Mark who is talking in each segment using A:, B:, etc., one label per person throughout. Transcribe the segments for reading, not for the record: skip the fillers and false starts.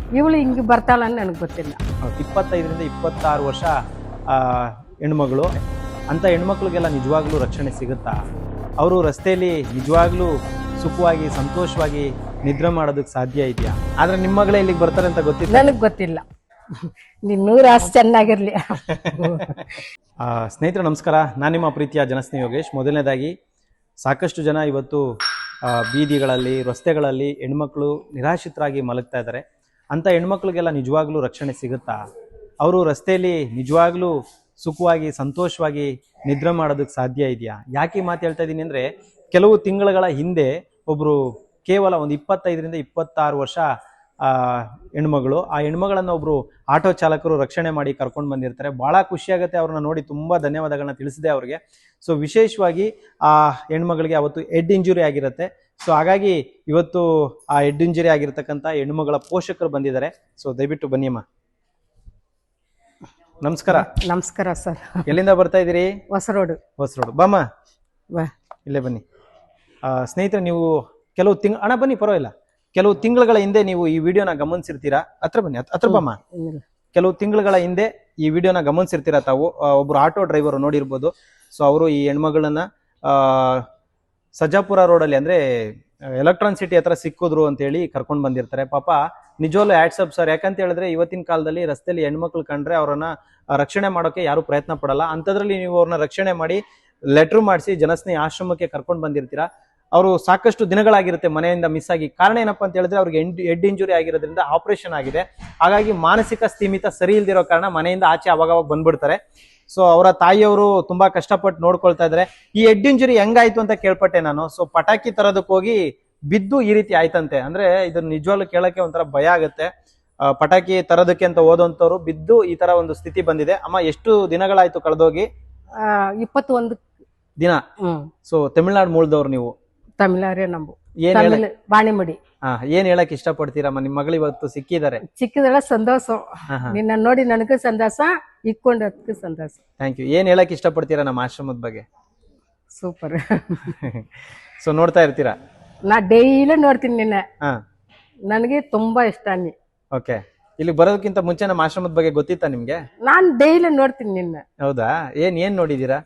A: ಇವಳು ಹಿಂಗೆ ಬರ್ತಾಳ ಅಂತ ನನಗೆ ಗೊತ್ತಿಲ್ಲ.
B: 25ರಿಂದ 26 ವರ್ಷ ಹೆಣ್ಮಗಳು ಅಂತ ಹೆಣ್ಮಕ್ಳಿಗೆಲ್ಲ ನಿಜವಾಗ್ಲೂ ರಕ್ಷಣೆ ಸಿಗುತ್ತಾ? ಅವರು ರಸ್ತೆಯಲ್ಲಿ ನಿಜವಾಗ್ಲೂ ಸುಖವಾಗಿ ಸಂತೋಷವಾಗಿ ನಿದ್ರೆ ಮಾಡೋದಕ್ಕೆ ಸಾಧ್ಯ ಇದೆಯಾ? ಆದ್ರೆ ನಿಮ್ಮ ಮಗಳೇ ಇಲ್ಲಿಗೆ ಬರ್ತಾರೆ ಅಂತ ಗೊತ್ತಿಲ್ಲ.
A: ನನಗೆ ಗೊತ್ತಿಲ್ಲ. ನೀನು 100 ಆಸೆ ಚೆನ್ನಾಗಿರ್ಲಿ.
B: ಸ್ನೇಹಿತರೆ ನಮಸ್ಕಾರ, ನಾನು ನಿಮ್ಮ ಪ್ರೀತಿಯ ಜನಸ್ನೇಹಿ ಯೋಗೇಶ್. ಮೊದಲನೇದಾಗಿ ಸಾಕಷ್ಟು ಜನ ಇವತ್ತು ಬೀದಿಗಳಲ್ಲಿ ರಸ್ತೆಗಳಲ್ಲಿ ಹೆಣ್ಮಕ್ಳು ನಿರಾಶ್ರಿತರಾಗಿ ಮಲಗ್ತಾ ಇದ್ದಾರೆ. ಅಂಥ ಹೆಣ್ಮಕ್ಳಿಗೆಲ್ಲ ನಿಜವಾಗ್ಲೂ ರಕ್ಷಣೆ ಸಿಗುತ್ತಾ? ಅವರು ರಸ್ತೆಯಲ್ಲಿ ನಿಜವಾಗ್ಲೂ ಸುಖವಾಗಿ ಸಂತೋಷವಾಗಿ ನಿದ್ರೆ ಮಾಡೋದಕ್ಕೆ ಸಾಧ್ಯ ಇದೆಯಾ? ಯಾಕೆ ಮಾತು ಹೇಳ್ತಾ ಇದ್ದೀನಿ ಅಂದರೆ, ಕೆಲವು ತಿಂಗಳುಗಳ ಹಿಂದೆ ಒಬ್ಬರು ಕೇವಲ ಒಂದು 25ರಿಂದ 26 ವರ್ಷ ಹೆಣ್ಮಗಳು, ಆ ಹೆಣ್ಮಗಳನ್ನು ಒಬ್ಬರು ಆಟೋ ಚಾಲಕರು ರಕ್ಷಣೆ ಮಾಡಿ ಕರ್ಕೊಂಡು ಬಂದಿರ್ತಾರೆ. ಭಾಳ ಖುಷಿಯಾಗುತ್ತೆ ಅವ್ರನ್ನ ನೋಡಿ, ತುಂಬ ಧನ್ಯವಾದಗಳನ್ನ ತಿಳಿಸಿದೆ ಅವ್ರಿಗೆ. ಸೊ ವಿಶೇಷವಾಗಿ ಆ ಹೆಣ್ಮಗಳಿಗೆ ಅವತ್ತು ಹೆಡ್ ಇಂಜುರಿ ಆಗಿರುತ್ತೆ. ಸೊ ಹಾಗಾಗಿ ಇವತ್ತು ಆ ಹೆಡ್ ಇಂಜುರಿ ಆಗಿರ್ತಕ್ಕಂಥ ಹೆಣ್ಮಗಳ ಪೋಷಕರು ಬಂದಿದ್ದಾರೆ. ಸೊ ದಯವಿಟ್ಟು ಬನ್ನಿ ಅಮ್ಮ. ನಮಸ್ಕಾರ.
A: ನಮಸ್ಕಾರ ಸರ್.
B: ಎಲ್ಲಿಂದ ಬರ್ತಾ ಇದ್ದೀರಿ?
A: ಹೊಸರೋಡು.
B: ಹೊಸರೋಡು ಬಾಮ್ಮ, ಇಲ್ಲೇ ಬನ್ನಿ. ಸ್ನೇಹಿತರೆ, ನೀವು ಕೆಲವು ಅಣ್ಣ ಬನ್ನಿ, ಪರವಾಗಿಲ್ಲ. ಕೆಲವು ತಿಂಗಳುಗಳ ಹಿಂದೆ ನೀವು ಈ ವಿಡಿಯೋನ ಗಮನಿಸಿರ್ತೀರಾ. ಹತ್ರ ಬನ್ನಿ, ಹತ್ರ ಬಮ್ಮ. ಕೆಲವು ತಿಂಗಳುಗಳ ಹಿಂದೆ ಈ ವಿಡಿಯೋನ ಗಮನಿಸಿರ್ತೀರಾ ತಾವು. ಒಬ್ರು ಆಟೋ ಡ್ರೈವರ್ ನೋಡಿರ್ಬೋದು. ಸೊ ಅವರು ಈ ಹೆಣ್ಮಗಳನ್ನ ಸಜ್ಜಾಪುರ ರೋಡಲ್ಲಿ ಅಂದ್ರೆ ಎಲೆಕ್ಟ್ರಾನ್ ಸಿಟಿ ಹತ್ರ ಸಿಕ್ಕಿದ್ರು ಅಂತೇಳಿ ಕರ್ಕೊಂಡು ಬಂದಿರ್ತಾರೆ. ಪಾಪ ನಿಜವಲ್ಲೂ ಆಟ್ಸಪ್ ಸರ್. ಯಾಕಂತ ಹೇಳಿದ್ರೆ ಇವತ್ತಿನ ಕಾಲದಲ್ಲಿ ರಸ್ತೆಯಲ್ಲಿ ಹೆಣ್ಮಕ್ಳು ಕಂಡ್ರೆ ಅವರನ್ನ ರಕ್ಷಣೆ ಮಾಡೋಕೆ ಯಾರು ಪ್ರಯತ್ನ ಪಡಲ್ಲ. ಅಂಥದ್ರಲ್ಲಿ ನೀವು ಅವ್ರನ್ನ ರಕ್ಷಣೆ ಮಾಡಿ ಲೆಟ್ರ್ ಮಾಡಿಸಿ ಜನಸ್ನೇಹಿ ಆಶ್ರಮಕ್ಕೆ ಕರ್ಕೊಂಡು ಬಂದಿರ್ತೀರಾ. ಅವರು ಸಾಕಷ್ಟು ದಿನಗಳಾಗಿರುತ್ತೆ ಮನೆಯಿಂದ ಮಿಸ್ ಆಗಿ. ಕಾರಣ ಏನಪ್ಪಾ ಅಂತ ಹೇಳಿದ್ರೆ ಅವ್ರಿಗೆ ಹೆಡ್ ಇಂಜುರಿ ಆಗಿರೋದ್ರಿಂದ ಆಪರೇಷನ್ ಆಗಿದೆ. ಹಾಗಾಗಿ ಮಾನಸಿಕ ಸ್ಥಿಮಿತ ಸರಿ ಇಲ್ದಿರೋ ಕಾರಣ ಮನೆಯಿಂದ ಆಚೆ ಅವಾಗವಾಗ ಬಂದ್ಬಿಡ್ತಾರೆ. ಸೊ ಅವರ ತಾಯಿಯವರು ತುಂಬಾ ಕಷ್ಟಪಟ್ಟು ನೋಡ್ಕೊಳ್ತಾ ಇದ್ದಾರೆ. ಈ ಹೆಡ್ ಇಂಜುರಿ ಹೆಂಗಾಯ್ತು ಅಂತ ಕೇಳ್ಪಟ್ಟೆ ನಾನು. ಸೊ ಪಟಾಕಿ ತರೋದಕ್ಕೆ ಹೋಗಿ ಬಿದ್ದು ಈ ರೀತಿ ಆಯ್ತಂತೆ. ಅಂದ್ರೆ ಇದನ್ನ ನಿಜವಾಗ್ಲೂ ಕೇಳಕ್ಕೆ ಒಂಥರ ಭಯ ಆಗುತ್ತೆ. ಪಟಾಕಿ ತರೋದಕ್ಕೆ ಅಂತ ಹೋದಂತವ್ರು ಬಿದ್ದು ಈ ತರ ಒಂದು ಸ್ಥಿತಿ ಬಂದಿದೆ. ಅಮ್ಮ, ಎಷ್ಟು ದಿನಗಳಾಯ್ತು ಕಳೆದೋಗಿ?
A: 21
B: ದಿನ. ಸೊ ತಮಿಳ್ನಾಡು ಮೂಲದವ್ರು ನೀವು?
A: ತಮಿಳಾರೇ ನಂಬು.
B: ಏನ್
A: ಬಾಣಿಮಡಿ.
B: ಏನ್ ಹೇಳಕ್ ಇಷ್ಟಪಡ್ತೀರಮ್ಮ? ನಿಮ್ ಮಗಳು ಇವತ್ತು ಸಿಕ್ಕಿದ್ದಾರೆ.
A: ಸಿಕ್ಕಿದಳ ಸಂತೋಷ. ನಿನ್ನ ನೋಡಿ ನನಗೂ ಸಂತೋಷ, ಇಕ್ಕೊಂಡದಕ್ಕೂ ಸಂತೋಷ.
B: Thank you. ಏನ್ ಹೇಳಕ್ ಇಷ್ಟಪಡ್ತೀರಾ ನಮ್ಮ ಆಶ್ರಮದ ಬಗ್ಗೆ?
A: ಸೂಪರ್.
B: ಸೊ ನೋಡ್ತಾ ಇರ್ತೀರಾ?
A: ನಾ ಡೈಲಿ ನೋಡ್ತೀನಿ ನಿನ್ನ. ನನಗೆ ತುಂಬಾ ಇಷ್ಟ ನೀ.
B: ಓಕೆ. ಇಲ್ಲಿ ಬರೋದಕ್ಕಿಂತ ಮುಂಚೆ ನಮ್ಮ ಆಶ್ರಮದ ಬಗ್ಗೆ ಗೊತ್ತಿತ್ತಾ ನಿಮ್ಗೆ?
A: ನಾನ್ ಡೈಲಿ ನೋಡ್ತೀನಿ ನಿನ್ನ.
B: ಹೌದಾ? ಏನ್ ನೋಡಿದೀರಾ?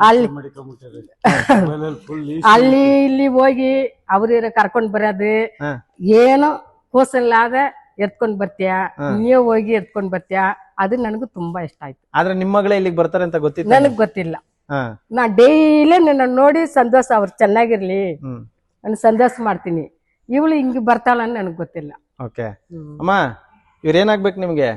A: ಅಲ್ಲಿ ಇಲ್ಲಿ ಹೋಗಿ ಅವ್ರ ಕರ್ಕೊಂಡ್ ಬರೋದು, ಏನೋ ಕೋಸಲ್ಲಾದ ಎತ್ಕೊಂಡ್ ಬರ್ತೀಯ, ನೀವ್ ಹೋಗಿ ಎತ್ಕೊಂಡ್ ಬರ್ತೀಯ, ಅದು ನನಗೂ ತುಂಬಾ ಇಷ್ಟ ಆಯ್ತು.
B: ಆದ್ರೆ ನಿಮ್ ಮಗಳೇ ಇಲ್ಲಿಗೆ ಬರ್ತಾರೆ ಅಂತ ಗೊತ್ತಿತ್ತು?
A: ನನಗ್ ಗೊತ್ತಿಲ್ಲ. ನಾ ಡೈಲಿ ನಿನ್ನ ನೋಡಿ ಸಂತೋಷ, ಅವ್ರು ಚೆನ್ನಾಗಿರ್ಲಿ ನಾನು ಸಂತೋಷ ಮಾಡ್ತೀನಿ. ಇವಳು ಹಿಂಗ್ ಬರ್ತಾಳ ಅಂತ ನನಗ್ ಗೊತ್ತಿಲ್ಲ.
B: ಓಕೆ ಅಮ್ಮ, ಇವ್ರೇನಾಗ್ಬೇಕು ನಿಮ್ಗೆ?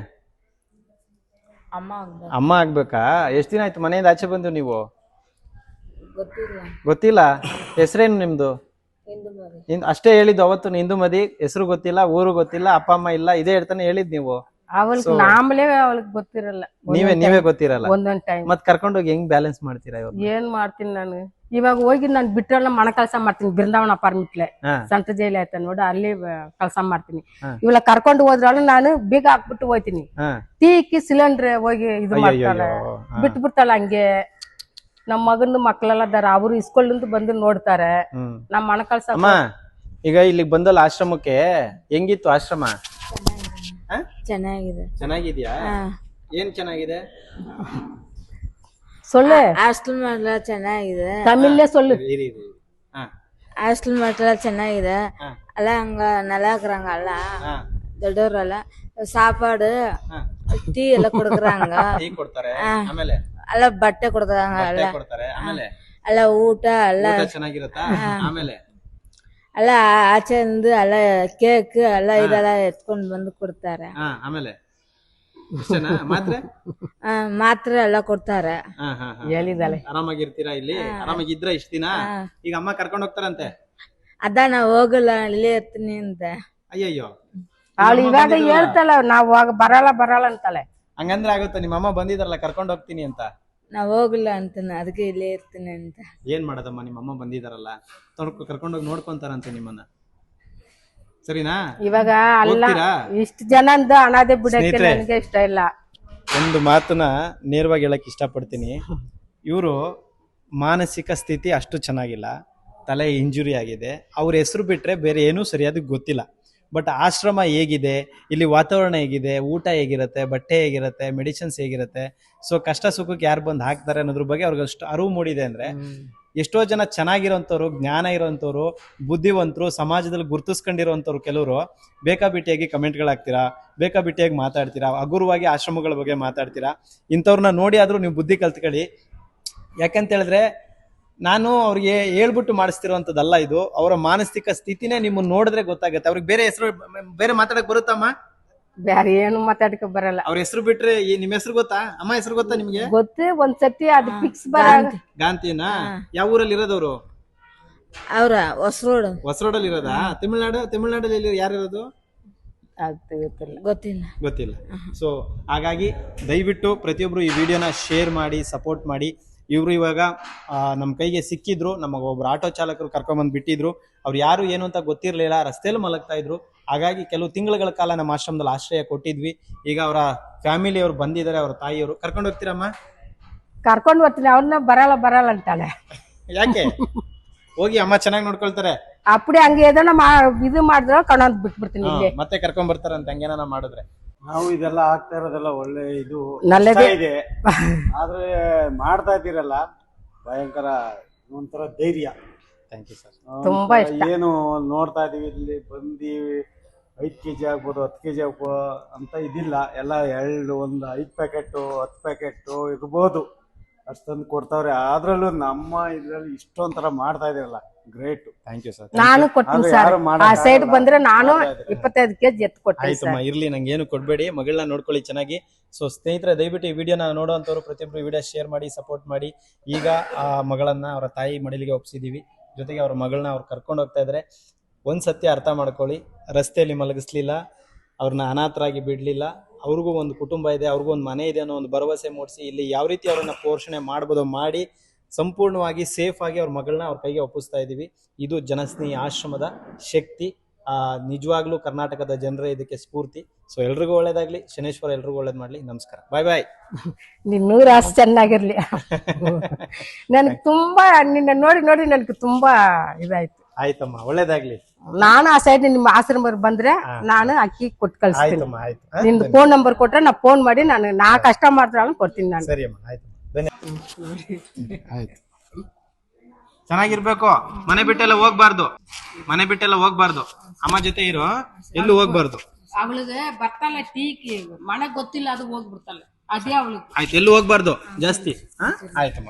B: ಅಮ್ಮ ಆಗ್ಬೇಕಾ? ಎಷ್ಟ್ ದಿನ ಆಯ್ತು ಮನೆಯಿಂದ ಆಚೆ ಬಂದು ನೀವು? ಗೊತ್ತಿಲ್ಲ. ಹೆಸರೇನು ನಿಮ್ದು? ಅಷ್ಟೇ ಹೇಳಿದ್ದು ಅವತ್ತು. ಇಂದುಮತಿ ಹೆಸರು ಗೊತ್ತಿಲ್ಲ, ಊರು ಗೊತ್ತಿಲ್ಲ, ಅಪ್ಪ ಅಮ್ಮ ಇಲ್ಲ, ಇದೇ ಹೇಳ್ತಾನೆ ಹೇಳಿದ್ ನೀವು.
A: ಅವಳಿಗೆ ನಾಮಲೇ ಅವಳಿಗೆ ಗೊತ್ತಿರಲ್ಲ.
B: ನೀವೇ ಗೊತ್ತಿರಲ್ಲ.
A: ಒಂದೊಂದ್ ಟೈಮ್
B: ಮತ್ ಕರ್ಕೊಂಡೋಗಿ ಹೆಂಗ್ ಬ್ಯಾಲೆನ್ಸ್ ಮಾಡ್ತೀರಾ?
A: ಏನ್ ಮಾಡ್ತೀನಿ ನಾನು ಇವಾಗ? ಹೋಗಿ ನಾನು ಬಿಟ್ರಲ್ಲ ಮಣ ಕೆಲಸ ಮಾಡ್ತೀನಿ. ಬೃಂದಾವನ ಅಪಾರ್ಟ್ಮೆಂಟ್ಲೆ ಸಂತ ಜೈಲ್ ಆಯ್ತ ನೋಡಿ, ಅಲ್ಲಿ ಕೆಲಸ ಮಾಡ್ತೀನಿ. ಇವಾಗ ಕರ್ಕೊಂಡು ಹೋದ್ರಲ್ಲ ನಾನು ಬೀಗ ಹಾಕ್ಬಿಟ್ಟು ಹೋಯ್ತೀನಿ. ತೀಕಿ ಸಿಲಿಂಡರ್ ಹೋಗಿ ಇದು ಮಾಡ್ತಾಳೆ, ಬಿಟ್ಬಿಡ್ತಾಳ ಹಂಗೆ. ನಮ್ಮ ಮಗನ ಮಕ್ಳೆಲ್ಲ ಅದಾರ, ಅವರು ಇಸ್ಕೊಳ್ಳಂದು ಬಂದು ನೋಡ್ತಾರೆ. ನಮ್ಮ ಮಣ ಕೆಲಸ.
B: ಈಗ ಇಲ್ಲಿಗೆ ಬಂದಲ್ಲ ಆಶ್ರಮಕ್ಕೆ, ಹೆಂಗಿತ್ತು ಆಶ್ರಮ? ಚೆನ್ನಾಗಿದ್ಯಾ? ಏನ್ ಚೆನ್ನಾಗಿದೆ?
A: சொல்லு.
C: ಹಾಸ್ಟೆಲ್ ಮಾತ್ರ ಚೆನ್ನಾಗಿದೆ.
A: ತಮಿಳೇ சொல்லு.
C: ಹಾಸ್ಟೆಲ್ ಮಾತ್ರ ಚೆನ್ನಾಗಿದೆ. ಅಲ್ಲ ಹಂಗ ನಲ್ಲಾಕ್ರಂಗ ಅಲ್ಲ, ದೊಡ್ಡವ್ರಲ್ಲ. ಸಾಪಾಡು ಟೀ ಎಲ್ಲ ಕೊಡ್ಕರಂಗ, ಅಲ್ಲ ಬಟ್ಟೆ ಕೊಡ್ಕರಂಗ, ಅಲ್ಲ ಊಟ ಎಲ್ಲ
B: ಚೆನ್ನಾಗಿರತ್ತಾ?
C: ಅಲ್ಲ ಆಚೆಂದು ಅಲ್ಲ ಕೇಕ್ ಎಲ್ಲ ಇದೆಲ್ಲ ಎತ್ಕೊಂಡ್ ಬಂದು ಕೊಡ್ತಾರೆ. ಮಾತ್ರ ಎಲ್ಲ ಕೊಡ್ತಾರೆ.
A: ಹೇಳಿದಾಳೆ.
B: ಆರಾಮಾಗಿರ್ತೀರಾ ಇಲ್ಲಿ? ಆರಾಮಾಗಿದ್ರ ಇಷ್ಟ ದಿನ? ಈಗ ಅಮ್ಮ ಕರ್ಕೊಂಡ್ ಹೋಗ್ತಾರಂತೆ.
C: ಅದ ನಾ ಹೋಗಲ್ಲ, ಇಲ್ಲೇ ಇರ್ತೀನಿ ಅಂತ.
B: ಅಯ್ಯಯ್ಯೋ,
A: ಅವಳು ಇವಾಗ ಹೇಳ್ತಾಳ ನಾವ್ ಬರಲ್ಲ ಅಂತಾಳೆ.
B: ಹಂಗಂದ್ರೆ ಆಗುತ್ತೆ? ನಿಮ್ಮ ಅಮ್ಮ ಬಂದಿದಾರಲ್ಲ ಕರ್ಕೊಂಡ್ ಹೋಗ್ತೀನಿ ಅಂತ.
C: ನಾ ಹೋಗಲ್ಲ ಅಂತಾನೆ, ಅದಕ್ಕೆ ಇಲ್ಲೇ ಇರ್ತೀನಿ ಅಂತ.
B: ಏನ್ ಮಾಡೋದಮ್ಮ, ನಿಮ್ಮ ಅಮ್ಮ ಬಂದಿದಾರಲ್ಲ, ಕರ್ಕೊಂಡೋಗಿ ನೋಡ್ಕೊಂತಾರಂತೆ ನಿಮ್ಮನ್ನ. ಸರಿನಾ?
A: ಇವಾಗ ಅಲ್ಲ, ಇಷ್ಟು ಜನಂದು ಅನಾದೆ ಬಿಡಕ್ಕೆ ನನಗೆ ಇಷ್ಟ ಇಲ್ಲ.
B: ಒಂದು ಮಾತನ್ನ ನೇರವಾಗಿ ಹೇಳಕ್ ಇಷ್ಟಪಡ್ತೀನಿ. ಇವರು ಮಾನಸಿಕ ಸ್ಥಿತಿ ಅಷ್ಟು ಚೆನ್ನಾಗಿಲ್ಲ, ತಲೆ ಇಂಜುರಿ ಆಗಿದೆ. ಅವ್ರ ಹೆಸರು ಬಿಟ್ರೆ ಬೇರೆ ಏನೂ ಸರಿಯಾದ ಗೊತ್ತಿಲ್ಲ. ಬಟ್ ಆಶ್ರಮ ಹೇಗಿದೆ, ಇಲ್ಲಿ ವಾತಾವರಣ ಹೇಗಿದೆ, ಊಟ ಹೇಗಿರುತ್ತೆ, ಬಟ್ಟೆ ಹೇಗಿರುತ್ತೆ, ಮೆಡಿಸಿನ್ಸ್ ಹೇಗಿರುತ್ತೆ, ಸೊ ಕಷ್ಟ ಸುಖಕ್ಕೆ ಯಾರು ಬಂದು ಹಾಕ್ತಾರೆ ಅನ್ನೋದ್ರ ಬಗ್ಗೆ ಅವ್ರಿಗೆ ಅಷ್ಟು ಅರಿವು ಮೂಡಿದೆ ಅಂದ್ರೆ ಎಷ್ಟೋ ಜನ ಚೆನ್ನಾಗಿರೋಂಥವ್ರು, ಜ್ಞಾನ ಇರೋಂಥವ್ರು, ಬುದ್ಧಿವಂತರು, ಸಮಾಜದಲ್ಲಿ ಗುರುತಿಸ್ಕೊಂಡಿರೋಂಥವ್ರು ಕೆಲವರು ಬೇಕಾಬಿಟ್ಟಿಯಾಗಿ ಕಮೆಂಟ್ಗಳು ಹಾಕ್ತೀರಾ, ಬೇಕಾಬಿಟ್ಟಿಯಾಗಿ ಮಾತಾಡ್ತೀರಾ, ಹಗುರವಾಗಿ ಆಶ್ರಮಗಳ ಬಗ್ಗೆ ಮಾತಾಡ್ತೀರಾ. ಇಂಥವ್ರನ್ನ ನೋಡಿ ಆದ್ರೂ ನೀವು ಬುದ್ಧಿ ಕಲ್ತ್ಕೊಳ್ಳಿ. ಯಾಕಂತ ಹೇಳಿದ್ರೆ ನಾನು ಅವ್ರಿಗೆ ಹೇಳ್ಬಿಟ್ಟು ಮಾಡಿಸ್ತಿರೋಂಥದ್ದಲ್ಲ, ಇದು ಅವರ ಮಾನಸಿಕ ಸ್ಥಿತಿನೇ ನಿಮ್ಮನ್ನ ನೋಡಿದ್ರೆ ಗೊತ್ತಾಗುತ್ತೆ. ಅವ್ರಿಗೆ ಬೇರೆ ಹೆಸರು ಬೇರೆ ಮಾತಾಡಕ್ ಬರುತ್ತಮ್ಮ?
A: ಬ್ಯಾರೆ ಏನು ಮಾತಾಡಕ ಬರಲ್ಲ.
B: ಅವ್ರ ಹೆಸರು ಬಿಟ್ರೆ ನಿಮ್ ಹೆಸರು ಗೊತ್ತಾ? ಅಮ್ಮ ಹೆಸರು ಗೊತ್ತಾ ನಿಮ್ಗೆ?
A: ಗೊತ್ತು, ಒಂದ್ಸತಿ ಅದು ಫಿಕ್ಸ್ ಬರಲ್ಲ.
B: ಗಾಂಧಿನಾ? ಯಾವ ಊರಲ್ಲಿ ಇರೋದವ್ರು?
C: ಅವ್ರ
B: ಹೊಸರೋಡಲ್ಲಿ ಇರೋದಾ? ತಮಿಳ್ನಾಡಲ್ಲಿ ಯಾರು ಇರೋದು?
A: ಅದು
C: ಗೊತ್ತಿಲ್ಲ.
B: ಗೊತ್ತಿಲ್ಲ. ಸೊ ಹಾಗಾಗಿ ದಯವಿಟ್ಟು ಪ್ರತಿಯೊಬ್ರು ಈ ವಿಡಿಯೋನ ಶೇರ್ ಮಾಡಿ, ಸಪೋರ್ಟ್ ಮಾಡಿ. ಇವರು ಇವಾಗ ನಮ್ಮ ಕೈಗೆ ಸಿಕ್ಕಿದ್ರು, ನಮಗೆ ಒಬ್ರು ಆಟೋ ಚಾಲಕರು ಕರ್ಕೊಂಬಂದು ಬಿಟ್ಟಿದ್ರು. ಅವ್ರು ಯಾರು ಏನು ಅಂತ ಗೊತ್ತಿರಲಿಲ್ಲ, ರಸ್ತೆಯಲ್ಲಿ ಮಲಗ್ತಾ ಇದ್ರು. ಹಾಗಾಗಿ ಕೆಲವು ತಿಂಗಳುಗಳ ಕಾಲ ನಮ್ಮ ಆಶ್ರಮದಲ್ಲಿ ಆಶ್ರಯ ಕೊಟ್ಟಿದ್ವಿ. ಈಗ ಅವರ ಫ್ಯಾಮಿಲಿಯವರು ಬಂದಿದ್ದಾರೆ, ಅವರ ತಾಯಿಯವರು. ಕರ್ಕೊಂಡು ಹೋಗ್ತೀರಮ್ಮ?
A: ಕರ್ಕೊಂಡು ಬರ್ತೀನಿ. ಅವ್ರನ್ನ ಬರಲ್ಲ ಅಂತಾಳೆ.
B: ಯಾಕೆ? ಹೋಗಿ, ಅಮ್ಮ ಚೆನ್ನಾಗಿ ನೋಡ್ಕೊಳ್ತಾರೆ.
A: ಅಪ್ಪಡಿ ಹಂಗೆ ಏದನ ಇದು ಮಾಡಿದ್ರ ಕಣಂದ್ ಬಿಟ್ಬಿಡ್ತೀನಿ. ಇಲ್ಲಿ
B: ಮತ್ತೆ ಕರ್ಕೊಂಡ್ ಬರ್ತಾರಂತ ಹಂಗೇನ ಮಾಡಿದ್ರೆ.
D: ನಾವು ಇದೆಲ್ಲ ಆಗ್ತಾ ಇರೋದೆಲ್ಲ ಒಳ್ಳೆ ಇದು
A: ನಲ್ಲದೇ
D: ಇದೆ, ಆದ್ರೆ ಮಾಡ್ತಾ ಇದ್ದೀರಲ್ಲ ಭಯಂಕರ ಒಂಥರ ಧೈರ್ಯ.
B: Thank you sir.
A: ತುಂಬಾ ಇಷ್ಟ.
D: ಏನು ನೋಡ್ತಾ ಇದೀವಿ, ಇಲ್ಲಿ ಬಂದು 5 kg ಆಗ್ಬೋದು, 10 kg ಆಗ್ಬೋದು ಅಂತ ಇದಿಲ್ಲ. ಎಲ್ಲ ಒಂದು 5 ಪ್ಯಾಕೆಟ್ 10 ಪ್ಯಾಕೆಟ್ ಇರ್ಬೋದು, ಅಷ್ಟೊಂದು ಕೊಡ್ತಾವ್ರೆ. ಅದ್ರಲ್ಲೂ ನಮ್ಮ ಇದ್ರಲ್ಲಿ ಇಷ್ಟೊಂಥರ ಮಾಡ್ತಾ ಇದೀರಲ್ಲ, ಗ್ರೇಟ್.
B: Thank you sir.
A: ನಾನು ಕೊಡ್ತೀನಿ ಸರ್. ಆ ಸೈಡ್ ಬಂದ್ರೆ ನಾನು 25 kg ಎತ್ತು ಕೊಡ್ತೀನಿ.
B: ಆಯ್ತಮ್ಮ, ಇರ್ಲಿ, ನಂಗೆ ಏನು ಕೊಡ್ಬೇಡಿ, ಮಗಳನ್ನ ನೋಡ್ಕೊಳ್ಳಿ ಚೆನ್ನಾಗಿ. ಸೊ ಸ್ನೇಹಿತರೆ, ದಯವಿಟ್ಟು ಈ ವಿಡಿಯೋನ ನೋಡುವಂಥವ್ರು ಪ್ರತಿಯೊಬ್ಬರು ವಿಡಿಯೋ ಶೇರ್ ಮಾಡಿ, ಸಪೋರ್ಟ್ ಮಾಡಿ. ಈಗ ಆ ಮಗಳನ್ನ ಅವರ ತಾಯಿ ಮಡಿಲಿಗೆ ಒಪ್ಸಿದೀವಿ. ಜೊತೆಗೆ ಅವ್ರ ಮಗಳನ್ನ ಅವ್ರು ಕರ್ಕೊಂಡು ಹೋಗ್ತಾ ಇದ್ದಾರೆ. ಒಂದು ಸತ್ಯ ಅರ್ಥ ಮಾಡ್ಕೊಳ್ಳಿ, ರಸ್ತೆಯಲ್ಲಿ ಮಲಗಿಸ್ಲಿಲ್ಲ, ಅವ್ರನ್ನ ಅನಾಥರಾಗಿ ಬಿಡಲಿಲ್ಲ. ಅವ್ರಿಗೂ ಒಂದು ಕುಟುಂಬ ಇದೆ, ಅವ್ರಿಗೂ ಒಂದು ಮನೆ ಇದೆ ಅನ್ನೋ ಒಂದು ಭರವಸೆ ಮೂಡಿಸಿ ಇಲ್ಲಿ ಯಾವ ರೀತಿ ಅವ್ರನ್ನ ಪೋಷಣೆ ಮಾಡ್ಬೋದು ಮಾಡಿ ಸಂಪೂರ್ಣವಾಗಿ ಸೇಫ್ ಆಗಿ ಅವ್ರ ಮಗಳನ್ನ ಅವ್ರ ಕೈಗೆ ಒಪ್ಪಿಸ್ತಾ ಇದ್ದೀವಿ. ಇದು ಜನಸ್ನೇಹಿ ಆಶ್ರಮದ ಶಕ್ತಿ. ನಿಜವಾಗ್ಲೂ ಕರ್ನಾಟಕದ ಜನರೇ ಇದಕ್ಕೆ ಸ್ಫೂರ್ತಿ. ಸೊ ಎಲ್ರಿಗೂ ಒಳ್ಳೇದಾಗ್ಲಿ, ಶನೇಶ್ವರ ಎಲ್ರಿಗೂ ಒಳ್ಳೇದ್ ಮಾಡ್ಲಿ. ನಮಸ್ಕಾರ, ಬಾಯ್ ಬಾಯ್.
A: ನಿನ್ 100 ಆಸೆ ಚೆನ್ನಾಗಿರ್ಲಿ. ನನ್ಗೆ ತುಂಬಾ ನಿನ್ನ ನೋಡಿ ನನ್ಗೆ ತುಂಬಾ ಇದಾಯ್ತು.
B: ಆಯ್ತಮ್ಮ, ಒಳ್ಳೇದಾಗ್ಲಿ.
A: ನಾನು ಆ ಸೈಡ್ ನಿಮ್ಮ ಆಶ್ರಮ ಬಂದ್ರೆ ನಾನು ಅಕ್ಕಿ ಕೊಟ್ಟು ಕಳಿಸ್ತೀನಿ.
B: ಆಯ್ತಮ್ಮ, ಆಯ್ತು.
A: ನಿಂದು ಫೋನ್ ನಂಬರ್ ಕೊಟ್ರೆ ನಾ ಫೋನ್ ಮಾಡಿ ನಾ ಕಷ್ಟ ಮಾಡ್ತಾಳ ಕೊಡ್ತೀನಿ ನಾನು.
B: ಸರಿ ಅಮ್ಮ, ಆಯ್ತು. ಆಯ್ತು, ಚೆನ್ನಾಗಿರ್ಬೇಕು. ಮನೆ ಬಿಟ್ಟೆಲ್ಲ ಹೋಗ್ಬಾರ್ದು. ಅಮ್ಮ ಜೊತೆ ಇರೋ, ಎಲ್ಲೂ ಹೋಗ್ಬಾರ್ದು.
A: ಅವಳಿಗೆ ಬರ್ತಾಳೆ ಟೀಕಿ ಮನೆ ಗೊತ್ತಿಲ್ಲ, ಅದು ಹೋಗ್ಬಿಡ್ತಾಳೆ. ಅದೇ ಅವಳಿಗೆ
B: ಆಯ್ತು, ಎಲ್ಲೂ ಹೋಗ್ಬಾರ್ದು ಜಾಸ್ತಿ. ಆಯ್ತಮ್ಮ.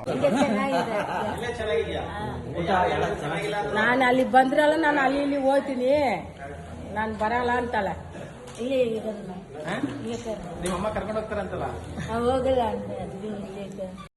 A: ನಾನು ಅಲ್ಲಿ ಬಂದ್ರಲ್ಲ, ನಾನು ಅಲ್ಲಿ ಇಲ್ಲಿ ಹೋಗ್ತೀನಿ, ನಾನು ಬರಲ್ಲ ಅಂತಾಳೆ.
B: ನಿಮ್ಮಮ್ಮ ಕರ್ಕೊಂಡು ಹೋಗ್ತಾರಂತಲ್ಲ?
C: ಹೋಗಲ್ಲ